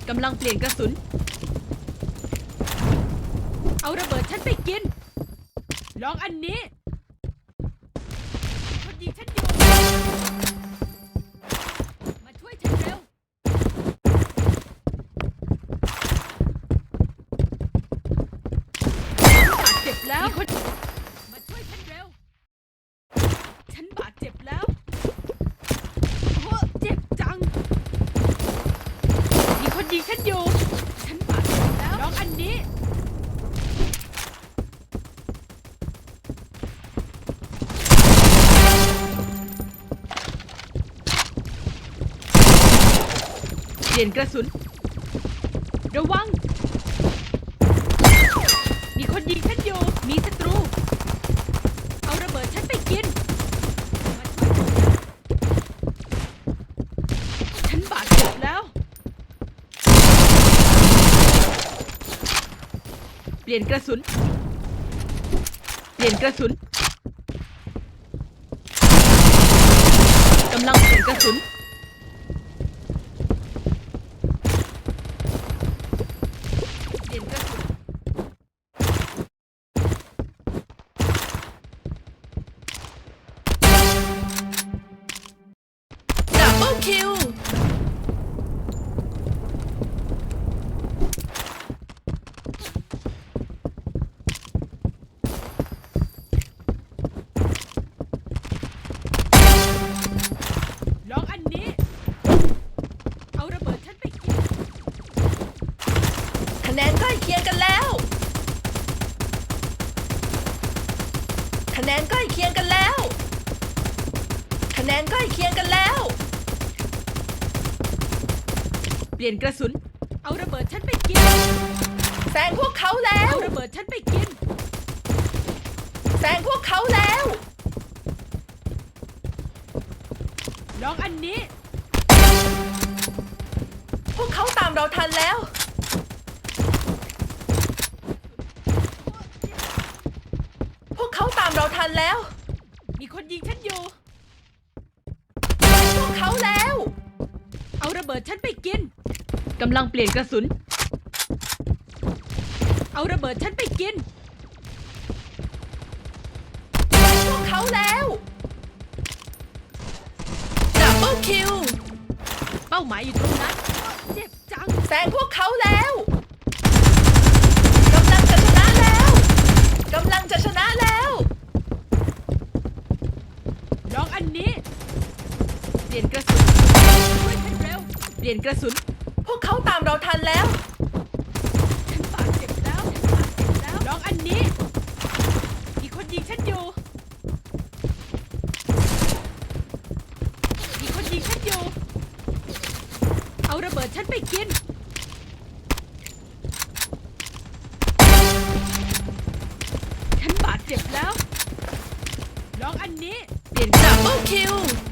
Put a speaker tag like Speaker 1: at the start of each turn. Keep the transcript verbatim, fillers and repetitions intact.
Speaker 1: กำลังเปลี่ยนกระสุนเอาระเบิดฉันไปกินลองอันนี้คนยิงฉันอยู่มาช่วยฉันเร็วบาดเจ็บแล้วมีคนมาช่วยฉันเร็วฉันบาดเจ็บแล้วโอ้เจ็บจังมีคนยิงฉันอยู่ฉันบาดเจ็บแล้วลองอันนี้เปลี่ยนกระสุนระวังมีคนยิงฉันอยู่มีศัตรูเอาระเบิดฉันไปกินฉันบาดเจ็บแล้วเปลี่ยนกระสุนเปลี่ยนกระสุนกำลังเปลี่ยนกระสุนเปลี่ยนกระสุนดับเบิลคิวลองอันนี้เอาระเบิดฉันไปกินคะแนนใกล้เคียงกันแล้วคะแนนใกล้เคียงกันแล้วคะแนนใกล้เคียงกันแล้วเปลี่ยนกระสุนเอาระเบิดฉันไปกินแซงพวกเขาแล้วเอาระเบิดฉันไปกินแซงพวกเขาแล้วลองอันนี้พวกเขาตามเราทันแล้วพวกเขาตามเราทันแล้วมีคนยิงฉันอยู่พวกเขาแล้วเอาระเบิดฉันไปกินกำลังเปลี่ยนกระสุนเอาระเบิดฉันไปกินพวกเขาแล้วดับเบิลคิวเป้าหมายอยู่ตรงนั้นเจ็บจังแซงพวกเขาแล้วกำลังจะชนะแล้วกำลังจะชนะแล้วลองอันนี้เปลี่ยนกระสุนช่วยฉันเร็วเปลี่ยนกระสุนพวกเขาตามเราทันแล้วฉันบาดเจ็บแล้วฉันบาดเจ็บแล้วลองอันนี้มีคนยิงฉันอยู่มีคนยิงฉันอยู่เอาระเบิดฉันไปกินฉันบาดเจ็บแล้วลองอันนี้เปลี่ยนดับเบิลคิว